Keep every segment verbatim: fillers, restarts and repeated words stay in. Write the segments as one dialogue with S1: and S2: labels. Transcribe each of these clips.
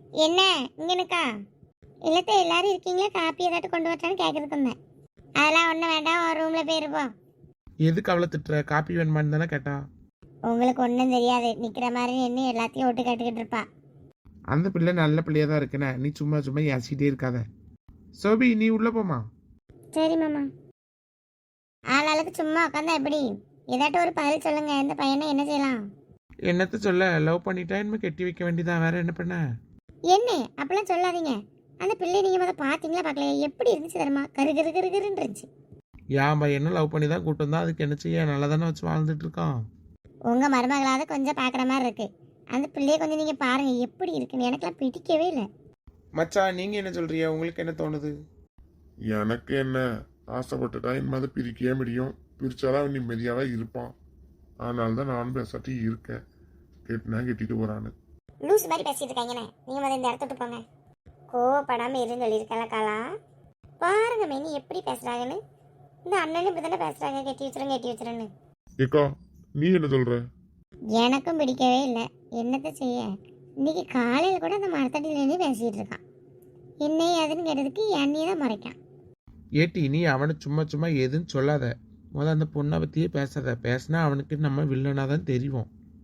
S1: என்ன இங்கனுக்கா? இல்லத்த எல்லாரும் இருக்கீங்களா? காப்பி ஏதாட்டும் கொண்டு வரட்டான்னு கேட்கறதுக்கு வந்தேன். அதெல்லாம் ஒன்றும் வேண்டாம், ஒரு ரூமில் போயிருப்போம்.
S2: எதுக்கு அவளை திட்டுற? காப்பி வேணுமான்னு தானே கேட்டா.
S1: உங்களுக்கு ஒன்றும் தெரியாது, நிற்கிற மாதிரி நின்று எல்லாத்தையும் ஒட்டு கேட்டுக்கிட்டு இருப்பா.
S2: அந்த பிள்ளை நல்ல பிள்ளையா தான் இருக்குண்ணே, நீ சும்மா சும்மா ஏசிட்டே இருக்காத. சோபி நீ உள்ள போமா.
S1: சரி மாமா. ஆளாளுக்கு சும்மா உட்காந்தா எப்படி? ஏதாட்டும் ஒரு பதில் சொல்லுங்க. இந்த பையனை என்ன செய்யலாம்?
S2: என்னத்த சொல்ல, லவ் பண்ணிட்டா இனிமே கட்டி வைக்க வேண்டியதான், வேற என்ன பண்ண?
S1: என்ன அப்படிலாம் சொல்லாதீங்க. அந்த பிள்ளை நீங்கள் முதல் பார்த்தீங்களா பார்க்கலையா? எப்படி இருந்துச்சு தெரியுமா? கரு கரு கரு கருன்னு இருந்துச்சு.
S2: என் பையனும் லவ் பண்ணி தான் கூட்டம் தான், அதுக்கு என்ன செய்ய, நல்லா தானே வச்சு வாழ்ந்துட்டு இருக்கான்.
S1: உங்கள் மருமகளாவது கொஞ்சம் பார்க்குற மாதிரி இருக்கு. அந்த பிள்ளைய கொஞ்சம் நீங்கள் பாருங்க எப்படி இருக்குன்னு. எனக்கெல்லாம் பிடிக்கவே இல்லை.
S2: மச்சான் நீங்க என்ன சொல்றீங்க? உங்களுக்கு என்ன தோணுது?
S3: எனக்கு என்ன, ஆசைப்பட்டுட்டா என் மாதிரி பிரிக்கவே முடியும். பிரிச்சாலும் அவன் நிம்மதியாவே இருப்பான். அதனால தான் நானும் பேசாட்டி இருக்கேன். கேட்டுனா கெட்டிட்டு போறான்னு.
S1: லூஸ் மாதிரி பேசிட்டு இருக்காங்கண்ணே. நீங்கள் முதல்ல இந்த இடத்த விட்டு போங்க. கோவப்படாமல் இருன்னு சொல்லியிருக்கல காலா. பாருங்க மேனி எப்படி பேசுகிறாங்கன்னு. இந்த அண்ணனும் இப்படி தானே பேசுகிறாங்க, கெட்டி வச்சிருங்க கெட்டி வச்சிருன்னு.
S3: ஏக்கா நீ என்ன சொல்ற?
S1: எனக்கும் பிடிக்கவே இல்லை. என்னத்தை செய்ய, இன்னைக்கு காலையில் கூட அந்த மரத்தடியிலேருந்து பேசிகிட்டு இருக்கான். என்ன ஏதுன்னு கேட்டதுக்கு என்னையே தான் மறைக்கான்.
S2: ஏட்டி நீ அவனை சும்மா சும்மா எதுன்னு சொல்லாத. முதல்ல அந்த பொண்ணை பற்றியே பேசாத. பேசினா அவனுக்கு நம்ம வில்லனாக தான் தெரியும்.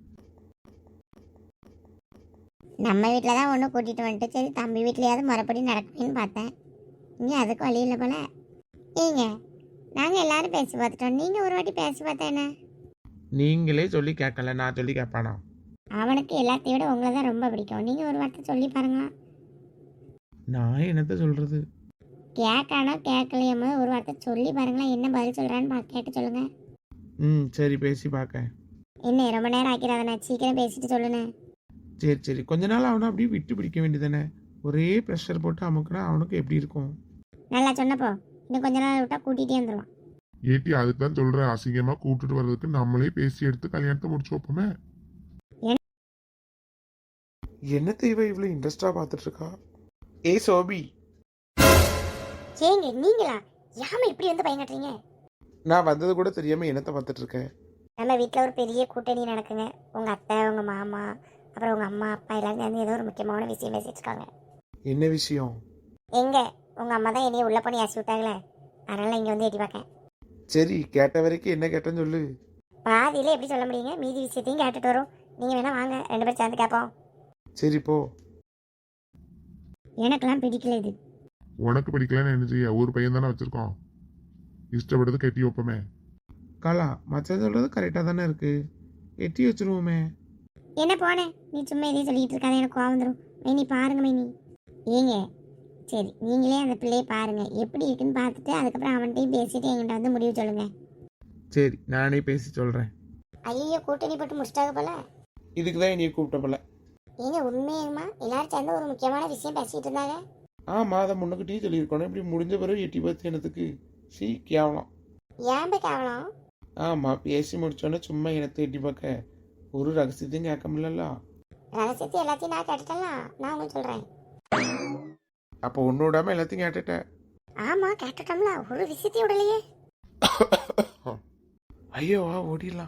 S1: நம்ம வீட்டில் தான் ஒன்று கூட்டிகிட்டு வந்துட்டு சரி தம்பி வீட்லையாவது மறுபடி நடக்குமேன்னு பார்த்தேன். இங்கே அதுக்கு வழி இல்லை போல. ஏங்க நாங்கள் எல்லாரும் பேசி பார்த்துட்டோம், நீங்கள் ஒரு வாட்டி பேசி பார்த்தா என்ன?
S2: நீங்களே சொல்லி கேட்கல, நான் சொல்லி கேட்பானா?
S1: அவனுக்கு எல்லாத்தையும் விட உங்களை தான் ரொம்ப பிடிக்கும். நீங்கள் ஒரு வார்த்தை சொல்லி பாருங்களா.
S2: நான் என்னத்த சொல்கிறது?
S1: கேட்கானோ கேட்கலையோ ஒரு வார்த்தை சொல்லி பாருங்களா. என்ன பதில் சொல்கிறான்னு பா கேட்டு சொல்லுங்கள்.
S2: ம் சரி பேசி பார்க்க.
S1: என்ன ரொம்ப நேரம் ஆக்கிறாதண்ணா, சீக்கிரம் பேசிட்டு சொல்லுண்ணே.
S2: சரி சரி கொஞ்ச நாள் அவனை அப்படியே விட்டு பிடிக்க வேண்டியதானே. ஒரே ப்ரெஷர் போட்டு அமுக்குனா அவனுக்கு எப்படி இருக்கும்?
S1: நல்லா சொன்னப்போ இன்னும் கொஞ்ச நாள் விட்டா கூட்டிகிட்டே வந்துடுவான்.
S3: ஏட்டி அதுக்கு தான் சொல்றேன், அசிங்கமா கூப்பிட்டுட்டு வர்றதுக்கு நம்மளே பேசி எடுத்து கல்யாணத்தை முடிச்சு வைப்போமே.
S2: என்ன தேவை இவ்வளோ இன்ட்ரெஸ்டாக பார்த்துட்டு இருக்கா? ஏ சோபி.
S1: ஏங்க நீங்களா? யாம இப்படி வந்து பயங்கட்டுறீங்க?
S2: நான் வந்தது கூட தெரியாமல் என்னத்தை பார்த்துட்டு இருக்கேன்.
S1: நம்ம வீட்டில் ஒரு பெரிய கூட்டணி நடக்குங்க. உங்கள் அத்தை, உங்கள் மாமா, அப்புறம் உங்கள் அம்மா அப்பா எல்லாரும் சேர்ந்து ஏதோ ஒரு முக்கியமான விஷயம் பேசிட்டு இருக்காங்க.
S2: என்ன விஷயம்?
S1: எங்க உங்கள் அம்மா தான் என்னைய உள்ள பண்ணி ஏசி விட்டாங்களே, அதனால இங்கே வந்து எட்டி பார்க்கேன்.
S2: சரி கேட்ட வரைக்கும் என்ன கேட்டேன்னு சொல்லு.
S1: பாதியில எப்படி சொல்ல முடியுங்க? மீதி விஷயத்தையும் கேட்டுட்டு வரும். நீங்கள் வேணா வாங்க, ரெண்டு பேரும் சேர்ந்து கேட்போம்.
S2: சரி போ.
S1: எனக்கெல்லாம் பிடிக்கல இது.
S3: உனக்கு பிடிக்கலன்னு என்ன செய்ய, ஒரு பையன் தானே வச்சிருக்கோம். இஷ்டப்பட்டது கட்டி வைப்போமே.
S2: காலா மச்சான் சொல்கிறது கரெக்டாக தானே இருக்கு. எட்டி வச்சிருவோமே.
S1: என்ன போனேன், நீ சும்மா எதையும் சொல்லிட்டு இருக்காத, எனக்கு கோவம் வந்துடும். மைனி பாருங்க மைனி. ஏங்க சரி நீங்களே அந்த பிள்ளையை பாருங்க எப்படி இருக்குன்னு பார்த்துட்டு அதுக்கப்புறம் அவன்கிட்டையும் பேசிட்டு என்கிட்ட வந்து முடிவு சொல்லுங்க.
S2: சரி நானே பேசி சொல்கிறேன்.
S1: ஐயோ கூட்டணி போட்டு முடிச்சிட்டாங்க போல.
S2: இதுக்கு தான் என்னைய கூப்பிட்ட போல.
S1: ஏங்க உண்மையுமா எல்லாரும் சேர்ந்து ஒரு முக்கியமான விஷயம் பேசிட்டு இருந்தாங்க.
S2: ஆமாம் அதை முன்னுக்கிட்டே சொல்லியிருக்கணும். இப்படி முடிஞ்ச பிறகு எட்டி பார்த்து என்னத்துக்கு? சீ கேவலம்.
S1: ஏன் போய் கேவலம்?
S2: ஆமாம் பேசி முடிச்சோன்னே சும்மா என்னத்தை எட்டி பார்க்க? ஒரு ரகசியத்தையும் கேட்க முடியல.
S1: ரகசியத்தை எல்லாத்தையும் நான் கேட்டுட்டலாம், நான் உங்களுக்கு சொல்கிறேன்.
S2: அப்போ ஒன்று விடாமல் எல்லாத்தையும் கேட்டுட்டேன்.
S1: ஆமாம் கேட்டுட்டோம்ல, ஒரு விஷயத்தையும் விடலையே.
S2: ஐயோ வா ஓடிடலாம்.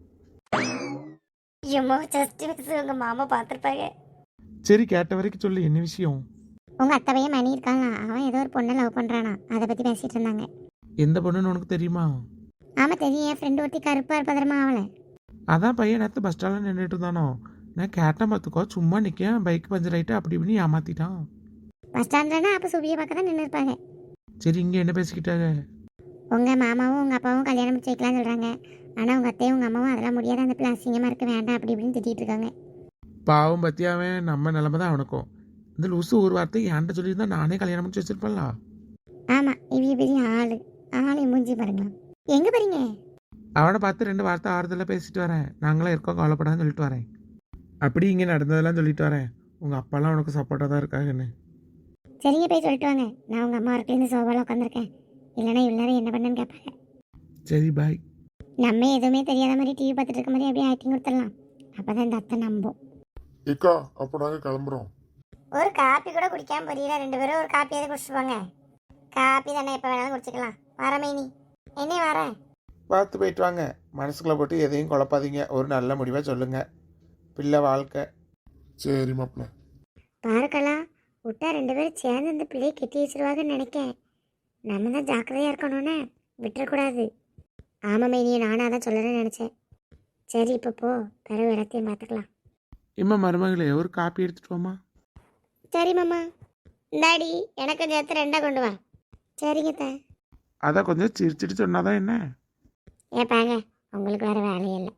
S1: ஐயோ ஜஸ்ட் மிஸ், உங்கள் மாமா பார்த்துருப்பாங்க.
S2: சரி கேட்ட வரைக்கும் சொல்லு, என்ன விஷயம்?
S1: உங்கள் அத்தை பையன் மணி இருக்கானா, அவன் ஏதோ ஒரு பொண்ணை லவ் பண்ணுறானா, அதை பற்றி பேசிகிட்டு இருந்தாங்க.
S2: எந்த பொண்ணுன்னு உனக்கு தெரியுமா?
S1: ஆமாம் தெரியும், என் ஃப்ரெண்டு ஒருத்தி கருப்பாக இருப்பதரமா அவளை.
S2: அதான் பையன் நேற்று பஸ் ஸ்டாண்டில் நின்றுட்டு இருந்தானோ. நான் கேட்டேன் பார்த்துக்கோ, சும்மா நிற்கேன் பைக் பஞ்சர் ஆகிட்டு அப்படி இப்படின்னு ஏமாத்திட்டான்.
S1: பஸ் ஸ்டாண்ட்லனா அப்போ சுபியை பார்க்க தான் நின்று இருப்பாங்க.
S2: சரி இங்கே என்ன பேசிக்கிட்டாங்க?
S1: உங்கள் மாமாவும் உங்கள் அப்பாவும் கல்யாணம் முடிச்சு வைக்கலாம்னு சொல்கிறாங்க. ஆனால் உங்கள் அத்தையும் உங்கள் அம்மாவும் அதெல்லாம் முடியாது, அந்த பிள்ளை அசிங்கமாக இருக்க வேண்டாம் அப்படி இப்படின்னு திட்டிகிட்டு இருக்காங்க.
S2: பாவம் பற்றி அவன் நம்ம நிலமை தான் அவனுக்கும். இந்த லூசு ஒரு வார்த்தை என்கிட்ட சொல்லியிருந்தா நானே கல்யாணம் முடிச்சு வச்சிருப்பேன்ல.
S1: ஆமாம் இவங்க பெரிய ஆள், ஆளை மூஞ்சி பாருங்களா. எங்கே போகிறீங்க?
S2: அவனை பார்த்து ரெண்டு வார்த்தை ஆறுதலாக பேசிட்டு வரேன். நாங்களாம் இருக்கோம் கவலைப்படான்னு சொல்லிட்டு வரேன். அப்படி இங்கே நடந்ததெல்லாம் சொல்லிட்டு வரேன். உங்கள் அப்பாலாம் உனக்கு சப்போர்ட்டாக தான் இருக்காங்கன்னு.
S1: சரிங்க போய் சொல்லிட்டு வாங்க. நான் உங்கள் அம்மா இருக்கலேருந்து சோபாவில் உட்காந்துருக்கேன். இல்லைன்னா இவ்வளோ நேரம் என்ன பண்ணுன்னு கேட்பாங்க.
S2: சரி பாய்.
S1: நம்ம எதுவுமே தெரியாத மாதிரி டிவி பார்த்துட்டு இருக்க மாதிரி அப்படியே ஆக்டிங் கொடுத்துடலாம். அப்போ தான் இந்த அத்தை நம்பும்.
S3: ஏக்கா அப்போ நாங்கள் கிளம்புறோம்.
S1: ஒரு காப்பி கூட குடிக்காம புரியல, ரெண்டு பேரும் ஒரு காப்பியாவது குடிச்சிட்டு போங்க. காப்பி தானே எப்போ வேணாலும் குடிச்சிக்கலாம். வரமே நீ என்ன வரேன்.
S2: பார்த்து போயிட்டு வாங்க. மனசுக்குள்ளே போட்டு எதையும் குழப்பாதீங்க. ஒரு நல்ல முடிவாக சொல்லுங்கள். பிள்ளை வாழ்க்கை.
S3: சரி மாப்பிள்ள.
S1: பாருக்கலா விட்டா ரெண்டு பேரும் சேர்ந்து இந்த பிள்ளையை கெட்டி வச்சிருவாங்கன்னு நினைக்கேன். நம்ம தான் ஜாக்கிரதையாக இருக்கணும்னே, விட்டுறக்கூடாது. ஆமாம் மைனியை நானாக தான் சொல்லணும்னு நினச்சேன். சரி இப்போ போ, பிறகு இடத்தையும் பார்த்துக்கலாம்.
S2: இம்மா மருமகளே ஒரு காப்பி எடுத்துட்டு வாமா.
S1: சரி மாமா. இந்தாடி எனக்கு சேர்த்து ரெண்டா கொண்டு வா. சரிங்க த.
S2: அதை கொஞ்சம் சிரிச்சிட்டு சொன்னாதான் என்ன.
S1: ஏப்பாங்க உங்களுக்கு வேறு வேலையே இல்லை.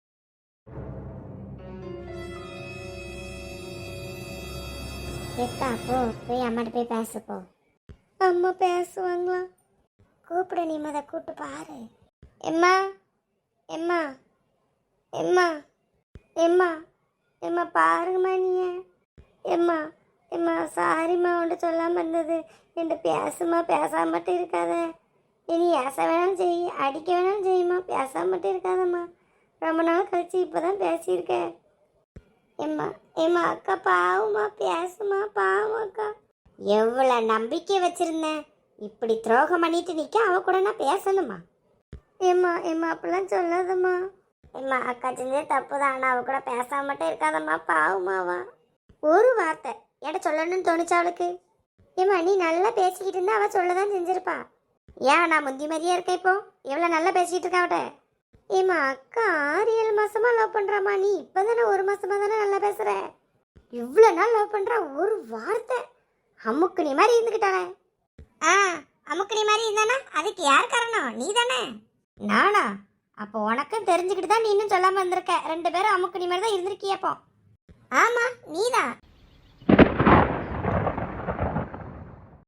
S1: எக்கா போ, போய் அம்மாட்ட போய் பேச போ. அம்மா பேசுவாங்களா? கூப்பிட நீ மத கூப்பிட்டு பாரு. எம்மா எம்மா எம்மா எம்மா எம்மா பாருங்கம்மா நீ. எம்மா எம்மா சாரிம்மா உன்ட்டு சொல்லாமல் இருந்தது. என்கிட்ட பேசுமா, பேசாம மட்டும் இருக்காத. இனி ஏச வேணாலும் செய், அடிக்க வேணாலும் செய்யுமா, பேசாம மட்டும் இருக்காதம்மா. ரொம்ப நாள் கழிச்சு இப்போ தான் பேசியிருக்கேன். எம்மா எம்மா அக்கா பாவம்மா, பேசுமா, பாவம் அக்கா. எவ்வளோ நம்பிக்கை வச்சிருந்தேன், இப்படி துரோகம் பண்ணிட்டு நிற்க அவ கூட நான் பேசணுமா? ஏம்மா ஏம்மா அப்படிலாம் சொல்லாதம்மா. ஏம்மா அக்கா செஞ்சே தப்பு தான், ஆனால் அவ கூட பேசாம மட்டும் இருக்காதம்மா, பாவமாவா. ஒரு வார்த்தை என்கிட்ட சொல்லணும்னு தோணுச்சா அவளுக்கு? ஏம்மா நீ நல்லா பேசிக்கிட்டு இருந்தா அவள் சொல்ல தான் செஞ்சிருப்பா. ஏன் நான் முந்தி மாதிரியே இருக்கேன் இப்போ? எவ்வளோ நல்லா பேசிக்கிட்டு இருக்கா அவட்ட. ஏம்மா அக்கா ஆறு ஏழு மாசமா லவ் பண்ணுறாம்மா, நீ இப்போ தானே ஒரு மாசமா தானே நல்லா பேசுகிற. இவ்வளோ நாள் லவ் பண்ணுறா, ஒரு வார்த்தை அமுக்குனி மாதிரி இருந்துக்கிட்டானே. ஆ அமுக்குனி மாதிரி இருந்தானா அதுக்கு யார் காரணம்? நீ தானே. நானா? அப்போ உனக்கும் தெரிஞ்சுக்கிட்டு தான் நீ இன்னும் சொல்லாமல் இருந்திருக்க. ரெண்டு பேரும் அமுக்குனி மாதிரி தான் இருந்திருக்கியப்போ. ஆமாம் நீ தான்.